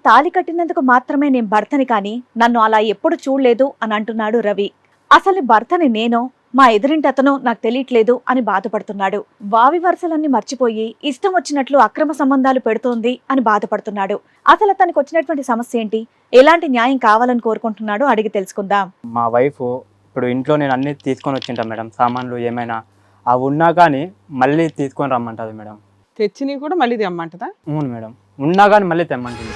తాళి కట్టినందుకు మాత్రమే నేను భర్తని కానీ నన్ను అలా ఎప్పుడు చూడలేదు అని అంటున్నాడు రవి. అసలు భర్తని నేనో మా ఎదురింటి అతను నాకు తెలియట్లేదు అని బాధపడుతున్నాడు. వావి వరుసలన్నీ మర్చిపోయి ఇష్టం వచ్చినట్లు అక్రమ సంబంధాలు పెడుతోంది అని బాధపడుతున్నాడు. అసలు తనకు వచ్చినటువంటి సమస్య ఏంటి, ఎలాంటి న్యాయం కావాలని కోరుకుంటున్నాడో అడిగి తెలుసుకుందాం. మా వైఫ్ ఇప్పుడు ఇంట్లో నేను అన్ని తీసుకొని వచ్చింటా మేడం, సామాన్లు ఏమైనా అవి ఉన్నా కానీ మళ్ళీ తీసుకొని రమ్మంటుంది మేడం. తెచ్చినవి కూడా మళ్ళీ తెమ్మంటదా? అవును మేడం, ఉన్నా కానీ మళ్ళీ తెమ్మంటుంది.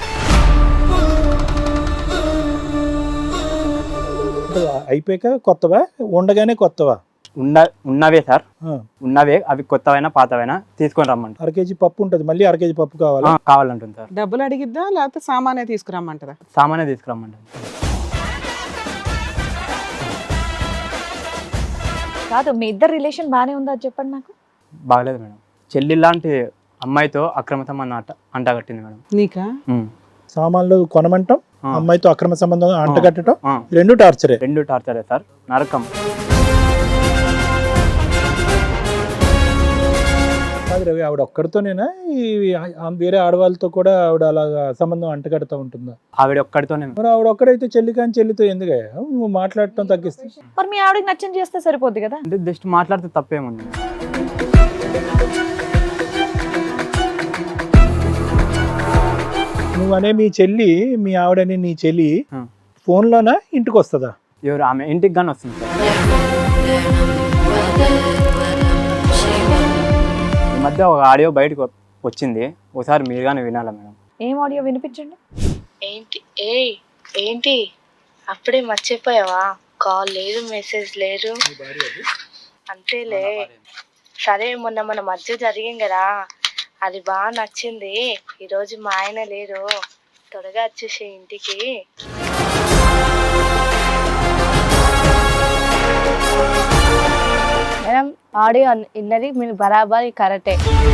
అయిపోయాక కొత్తవా, ఉండగానే కొత్తవా? ఉన్నవే సార్, ఉన్నవే. అవి కొత్తవైనా పాతవైనా తీసుకొని రమ్మంటారు. 1/2 కేజీ పప్పు ఉంటుంది, మళ్ళీ 1/2 కేజీ పప్పు కావాలా? కావాలంటుంది సార్. డబ్బులు అడిగిద్దా లేకపోతే సామానే తీసుకురమ్మంటదా? సామానే తీసుకురమ్మంటారు. కాదు, మీ ఇద్దరు రిలేషన్ బానే ఉందా చెప్పండి నాకు. బాగలేదు మేడం. చెల్లి లాంటి అమ్మాయితో అక్రమ సంబంధం అంటగట్టింది మేడం. నీకా? సామాన్లు కొనమంటాం, అమ్మాయితో అక్రమ సంబంధం అంటగట్టడం, రెండు టార్చరే. రెండు టార్చరే సార్, నరకం. కాదు రవి, ఆవిడ ఒక్కడితోనేనా వేరే ఆడవాళ్ళతో కూడా ఆవిడ అలాగా సంబంధం అంటగడతా ఉంటుందా? ఆవిడ ఒక్కడితోనే. మరి ఆవిడ ఒక్కడైతే చెల్లి కానీ చెల్లితో ఎందుకయ్యా నువ్వు మాట్లాడటం తగ్గిస్తే? మరి మీ ఆవిడకి నచ్చని చేస్తే సరిపోద్ది కదా. అంటే జస్ట్ మాట్లాడితే తప్పేముంది. నువ్వు అనే మీ చెల్లి, మీ ఆవిడని నీ చెల్లి ఫోన్లోనా ఇంటికి వస్తుందా? ఎవరు? ఆమె ఇంటికి కానీ వస్తుంది సార్. ఈ మధ్య ఒక ఆడియో బయటకు వచ్చింది, ఒకసారి మీరు కానీ వినాలా మేడం? ఏం ఆడియో వినిపించండి. ఏంటి అప్పుడే మర్చిపోయావా? కాల్ లేదు, మెసేజ్ లేదు. అంతేలే. సరే, మొన్న మన మధ్య జరిగింది కదా, అది బాగా నచ్చింది. ఈరోజు మా ఆయన లేరు, త్వరగా వచ్చేసే ఇంటికి. మేడం, ఆడియో ఇన్నది మీరు బరాబర్ కరెక్టే.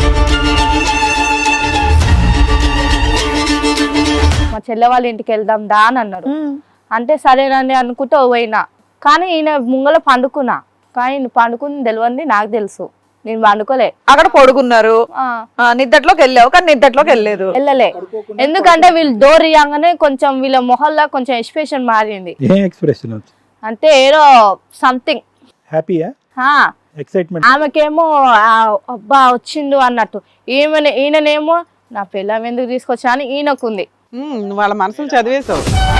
మా చెల్లె వాళ్ళ ఇంటికి వెళ్దాం దా అని అన్నారు. అంటే సరేనండి అనుకుంటూ పోయినా, కానీ ఈయన ముంగల పండుకున్నా. కానీ పండుకుంది తెలియంది నాకు తెలుసు, నేను పండుకోలే. అక్కడ పడుకున్నారు, నిద్దట్లోకి వెళ్ళావు కానీ నిద్దట్లోకి వెళ్ళలే. ఎందుకంటే వీళ్ళు డోర్ ఇయ్యంగానే కొంచెం వీళ్ళ మొహల్లా కొంచెం ఎక్స్ప్రెషన్ మారింది. అంటే ఏదో సంథింగ్ హ్యాపీయా, ఎక్సైట్మెంట్. ఆమెకేమో అబ్బా వచ్చిండు అన్నట్టు, ఈయననేమో నా పిల్లం ఎందుకు తీసుకొచ్చా అని ఈయనకుంది. వాళ్ళ మనసులు చదివేశావు.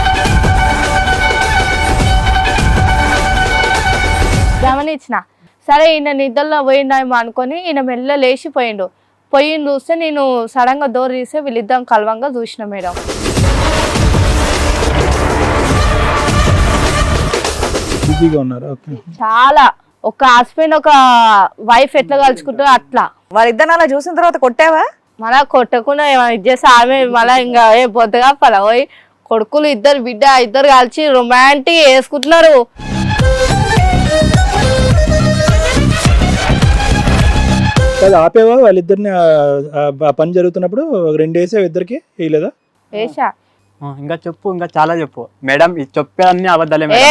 గమనించిన. సరే, ఈయన నిద్రలో పోయిండేమో అనుకొని ఈయన మెల్ల లేచిపోయిండు. పోయి చూస్తే నేను సడన్ గా డోర్ తీస్తే వీళ్ళిద్దరం కలవంగా చూసిన మేడం. చాలా ఒక హస్బెండ్ ఒక వైఫ్ ఎట్లా కలుసుకుంటారో అట్లా. వాళ్ళిద్దరు అలా చూసిన తర్వాత కొట్టావా? మళ్ళా కొట్టకుండా ఇది చేస్తే ఆమె మళ్ళా ఇంకా పొద్దుగా పోయి కొడుకులు ఇద్దరు బిడ్డ ఇద్దరు కలిసి రొమాంటిక్ వేసుకుంటున్నారు. ఆపేవా వాళ్ళిద్దరిని? పని జరుగుతున్నప్పుడు 2 వేసావు ఇద్దరికి, వేయలేదా? వేసా. ఇంకా చెప్పు, ఇంకా చాలా చెప్పు మేడం. ఇది చెప్పే అన్ని అబద్ధాలే మేడం.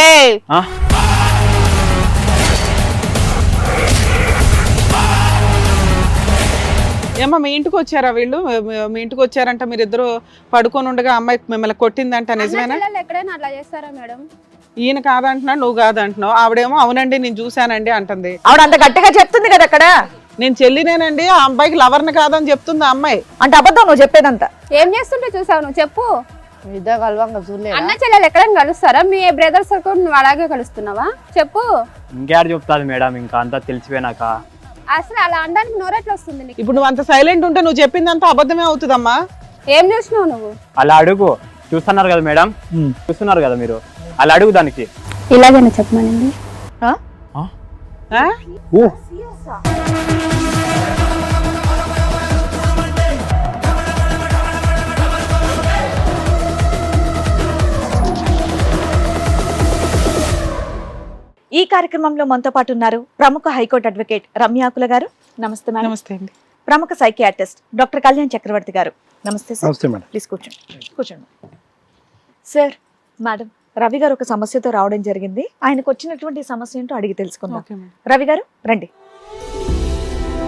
ఏమో మీ ఇంటికి వచ్చారా వీళ్ళు? మీ ఇంటికి వచ్చారంట, మీరిద్దరు పడుకొని ఉండగా అమ్మాయి మిమ్మల్ని కొట్టిందంట, నిజమేనా? ఎక్కడైనా అట్లా చేస్తారా మేడం? ఈయన కాదంటున్నాడు, నువ్వు కాదంటున్నావు. ఆవిడేమో అవునండి నేను చూశానండి అంటుంది. ఆవిడ అంత గట్టిగా చెప్తుంది కదా అక్కడ. నేను చెల్లినేనండి, ఆ అబ్బాయికి లవర్ని కాదని చెప్తుంది ఆ అమ్మాయి. అంటే అబద్ధం నువ్వు చెప్పేదంతా. ఏం చేస్తుంటే చూసావు నువ్వు? చెప్పు. ఇద్దరు కలవంగా చూడలే. అన్న చెల్లెలు ఎక్కడైనా కలుస్తారా? మీ బ్రదర్స్ నువ్వు అలాగే కలుస్తున్నావా? చెప్పు. ఇంకేడు చెప్తాది మేడం, ఇంకా అంతా తెలిసిపోయినాక. అసలు అలా అనడానికి నోరెట్లా వస్తుంది నీకు? ఇప్పుడు నువ్వు అంత సైలెంట్ ఉంటే నువ్వు చెప్పిందంతా అబద్ధమే అవుతుందమ్మా. ఏం చూసినావు నువ్వు? అలా అడుగు. చూస్తున్నారు కదా మేడం, చూస్తున్నారు కదా మీరు, అలా అడుగు దానికి. ఇలాగైనా చెప్పమనండి. ఈ కార్యక్రమంలో మనతో పాటు ఉన్నారు ప్రముఖ హైకోర్టు అడ్వకేట్ రమ్యాకుల గారు. నమస్తే మేడం. నమస్తే అండి. ప్రముఖ సైకియాట్రిస్ట్ డాక్టర్ కళ్యాణ్ చక్రవర్తి గారు. నమస్తే సార్. నమస్తే మేడం. ప్లీజ్ కూర్చోండి. సార్, మేడం, రవి గారు ఒక సమస్యతో రావడం జరిగింది. ఆయనకు వచ్చినటువంటి సమస్య ఏంటో అడిగి తెలుసుకుందాం. రవి గారు రండి.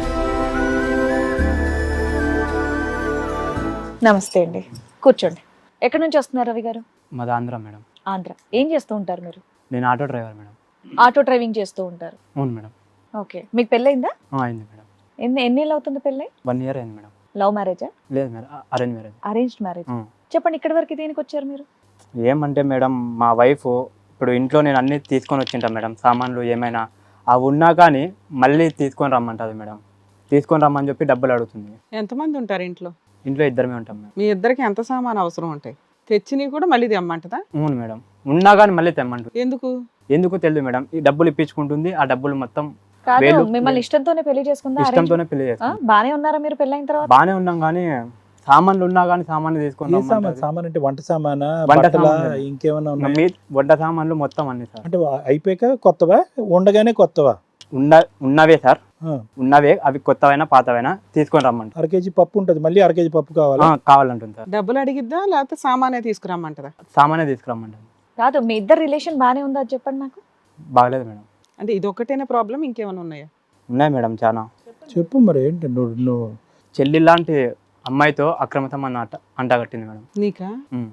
నమస్తే అండి, కూర్చోండి. ఎక్కడి నుంచి వస్తున్నారు రవి గారు? మాది ఆంధ్ర మేడం. ఆంధ్ర. ఏం చేస్తూ ఉంటారు మీరు? నేను auto driver madam. Auto driving చేస్తూ ఉంటారు. అవును మేడం. ఓకే. మీకు పెళ్ళయిందా? అయింది మేడం. ఎన్నేళ్ళు అవుతుంది పెళ్ళై? 1 year అయింది మేడం. లవ్ మ్యారేజా? లేదు madam, arrange marriage. Arranged marriage. చెప్పండి, ఇక్కడి వరకు దేనికి వచ్చారు మీరు? ఏమంటే మేడం, మా వైఫ్ ఇప్పుడు ఇంట్లో నేను అన్ని తీసుకొని వచ్చింటా మేడం, సామాన్లు ఏమైనా అవి ఉన్నా కానీ మళ్ళీ తీసుకొని రమ్మంటుంది మేడం. తీసుకొని రమ్మని చెప్పి డబ్బులు అడుగుతుంది. ఎంతమంది ఉంటారు ఇంట్లో? ఇంట్లో ఇద్దరమే ఉంటాం మేడం. మీ ఇద్దరికి ఎంత సామాన్ అవసరం ఉంటాయి? తెచ్చినవి కూడా మళ్ళీ తెమ్మంటదా? అవును మేడం, ఉన్నా కానీ మళ్ళీ తెమ్మంటుంది. ఎందుకు తెలియదు మేడం. ఈ డబ్బులు ఇప్పించుకుంటుంది, ఆ డబ్బులు మొత్తం కాదు, మిమ్మల్ని ఇష్టంతోనే పెళ్లి చేసుకుందా? ఇష్టంతోనే పెళ్లి చేసుకుంది. బానే ఉన్నారా మీరు పెళ్ళైన తర్వాత? బానే ఉన్నాం కానీ సామాన్లు ఉన్నా కానీ సామాన్లు తీసుకొని సామాన్ అంటే వంట సామానా, వంట బట్టలా, సామాన్లు. ఇంకేమన్నా ఉన్నాయి? వంట సామాన్లు మొత్తం అన్ని సార్. అంటే అయిపోయాక కొత్తవా, ఉండగానే కొత్తవా? ఉన్నవే సార్, ఉన్నవే. అవి కొత్తవైనా పాతవైనా తీసుకొని రమ్మంటారు. 1 kg పప్పు ఉంటుంది, మళ్ళీ 1 kg పప్పు కావాలా? కావాలంటుంది సార్. డబ్బులు అడిగిద్దా లేకపోతే సామానే తీసుకురమ్మంటదా? సామానే తీసుకురమ్మంటారు. కాదు, మీ ఇద్దరు రిలేషన్ బానే ఉందా అది చెప్పండి నాకు. బాగలేదు మేడం. అంటే ఇది ఒక్కటేనా ప్రాబ్లం, ఇంకేమైనా ఉన్నాయా? ఉన్నాయి మేడం చాలా. చెప్పు మరి ఏంటి నువ్వు చెల్లి లాంటి అమ్మాయితో అక్రమ సంబంధం అంటగట్టింది మేడం. నీకా?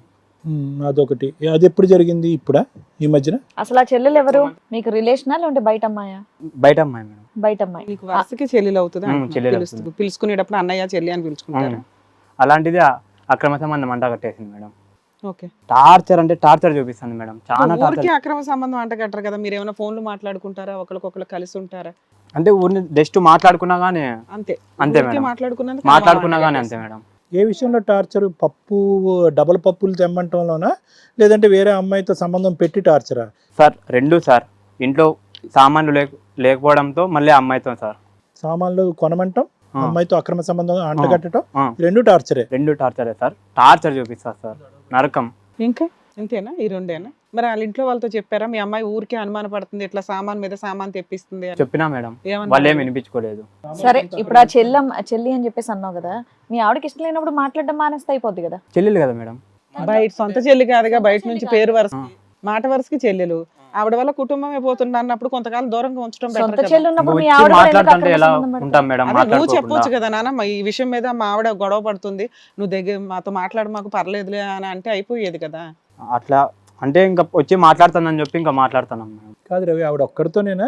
అదొకటి. అది ఎప్పుడు జరిగింది? ఇప్పుడా, ఈ మధ్యన? అసలు ఆ చెల్లెలు ఎవరు మీకు? రిలేషనా లేదంటే బయట అమ్మాయా? బయట అమ్మాయి మేడం. బయట అమ్మాయి. నీకు వరుసకి చెల్లెలు అవుతుందా? చెల్లెలు అవుతుంది. పిలుచుకునేటప్పుడు అన్నయ్య చెల్లి అని పిలుచుకుంటారు. అలాంటిది అక్రమ సంబంధం అంటగట్టేసింది మేడం. ఓకే. టార్చర్ అంటే టార్చర్ చూపిస్తుంది మేడం, చాలా ఊరికి టార్చర్. అక్రమ సంబంధం అంటగట్టరు కదా, మీరు ఏమైనా ఫోన్లు మాట్లాడుకుంటారా, ఒకరికొకరు కలిసి ఉంటారా? అంటే ఊరిని జస్ట్ మాట్లాడుకున్నా గానీ అంతే మేడం. మాట్లాడుకున్నా గానీ అంతే మేడం. ఏ విషయంలో టార్చర్? పప్పు, డబల్ పప్పులు తెమ్మంటంలోనా, లేదంటే వేరే అమ్మాయితో సంబంధం పెట్టి టార్చరా? సార్ రెండు సార్. ఇంట్లో సామాన్లు లేకపోవడంతో మళ్ళీ అమ్మాయితో సార్. సామాన్లు కొనమంటాం, అమ్మాయితో అక్రమ సంబంధం అంటగట్టడం, రెండు టార్చరే. రెండు టార్చరే సార్. టార్చర్ చూపిస్తారు సార్, నరకం. ఇంకా ఇంతేనా? ఈ రెండేనా? మరి వాళ్ళ ఇంట్లో వాళ్ళతో చెప్పారా మీ అమ్మాయి ఊరికే అనుమాన పడుతుంది, ఇట్లా సామాన్ మీద సామాన్ తెప్పిస్తుంది అని? చెప్పినా మేడం, వాళ్ళు ఏం వినిపించుకోలేదు. సరే, ఇప్పుడు ఆ చెల్లి అని చెప్పేసి అన్నావు కదా, మీ ఆవిడకి ఇష్టం లేనప్పుడు మాట్లాడడం మానేస్తే అయిపోద్ది కదా. చెల్లెలు కదా మేడం. బయట సొంత చెల్లి కాదుగా, బయట నుంచి పేరు వరుస మాట వరుసకి చెల్లెలు. ఆవిడ వల్ల కుటుంబమే పోతుంది అన్నప్పుడు కొంతకాలం దూరంగా ఉంచడం సొంత బెటర్ చెల్లి ఉన్నప్పుడు మీ వచ్చి ఆవిడ కూడా ఎందుకు మాట్లాడుతుంటే అక్రమ ఎలా సంబంధం పెడతావు? ఉంటాం మేడం? నువ్వు చెప్పొచ్చు మాట్లాడుకోకుండా. కదా నాన్న, ఈ విషయం మీద మా ఆవిడ గొడవ పడుతుంది, నువ్వు దగ్గర మాతో మాట్లాడు, మాకు పర్లేదులే అని అంటే అయిపోయేది కదా. అట్లా అంటే ఇంకా వచ్చి మాట్లాడుతానని చెప్పి ఇంకా మాట్లాడుతున్నాం మేడం. కాదు రవి, ఆవిడ ఒక్కడితోనేనా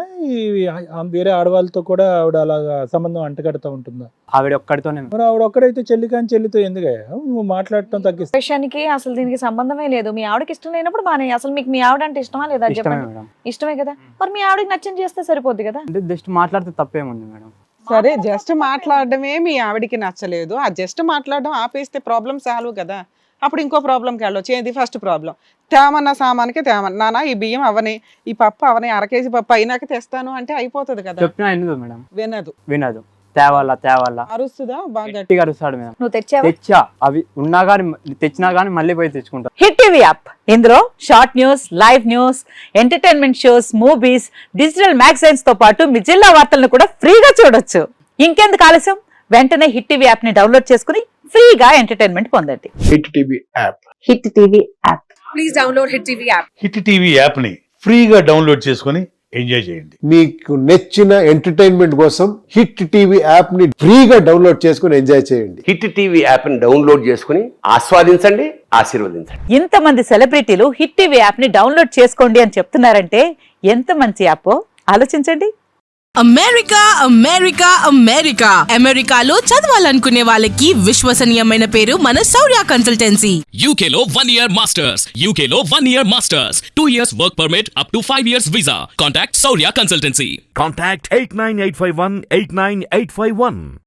వేరే ఆడవాళ్ళతో కూడా ఆవిడ అలాగా సంబంధం అంటగడతా ఉంటుందా? ఆవిడ ఒక్కడితోనే. మరి ఆవిడ ఒక్కడైతే చెల్లి కానీ చెల్లితో ఎందుకయ్యా నువ్వు మాట్లాడటం తగ్గిస్తా? విషయానికి అసలు దీనికి సంబంధమే లేదు. మీ ఆవిడకి ఇష్టం లేనప్పుడు బానే. అసలు మీకు మీ ఆవిడ అంటే ఇష్టమా లేదా ఇష్టమే చెప్పండి. మేడం. ఇష్టమే కదా, మరి మీ ఆవిడకి నచ్చని చేస్తే సరిపోద్ది కదా. అంటే జస్ట్ మాట్లాడితే తప్పేముంది మేడం? సరే, జస్ట్ మాట్లాడడమే మీ ఆవిడికి నచ్చలేదు, ఆ జస్ట్ మాట్లాడడం ఆపేస్తే ప్రాబ్లం సాల్వ్ కదా. అప్పుడు ఇంకో ప్రాబ్లంకి వెళ్ళొచ్చు. ఏంది ఫస్ట్ ప్రాబ్లం? తేమన్న సామాన్కి తేమన్న, నాన్న ఈ బియ్యం అవని, ఈ పప్పు అవని, 1 kg పప్పు అయినాక తెస్తాను అంటే అయిపోతుంది కదా. చెప్పినా ఎందుకు మేడం? వినదు. తేవాలా అరుస్తుందా? బాగా గట్టిగా అరుస్తాడు మేడం. నువ్వు తెచ్చావా? తెచ్చా, అవి ఉన్నా కానీ తెచ్చినా కానీ మళ్ళీ పోయి తెచ్చుకుంటా. హిట్ టీవీ యాప్, ఇందులో short news, live news, entertainment shows, movies, digital magazines తో పాటు మీ జిల్లా వార్తలను కూడా ఫ్రీగా చూడొచ్చు. ఇంకెందుకు ఆలస్యం? వెంటనే హిట్ టీవీ యాప్ ని డౌన్లోడ్ చేసుకుని ఫ్రీగా ఎంటర్టైన్మెంట్ పొందండి. Hit TV app. Hit TV app. Please download Hit TV app. Hit TV app ని ఫ్రీగా డౌన్లోడ్ చేసుకొని ఎంజాయ్ చేయండి. మీకు నచ్చిన ఎంటర్టైన్మెంట్ కోసం హిట్ టీవీ యాప్ ని ఫ్రీగా డౌన్లోడ్ చేసుకొని ఎంజాయ్ చేయండి. హిట్ టీవీ యాప్ ని డౌన్లోడ్ చేసుకుని ఆస్వాదించండి, ఆశీర్వదించండి. ఇంతమంది సెలబ్రిటీలు హిట్ టీవీ యాప్ ని డౌన్లోడ్ చేసుకోండి అని చెప్తున్నారంటే ఎంత మంచి యాప్ ఆలోచించండి. అమెరికా అమెరికా అమెరికా అమెరికాలో చదవాలనుకునే వాళ్ళకి విశ్వసనీయమైన పేరు మన శౌర్య కన్సల్టెన్సీ. UK లో 1 year masters, UK లో 1 year masters, 2 years work permit up to 5 years visa. Contact Saurya Consultancy. Contact 89851 89851.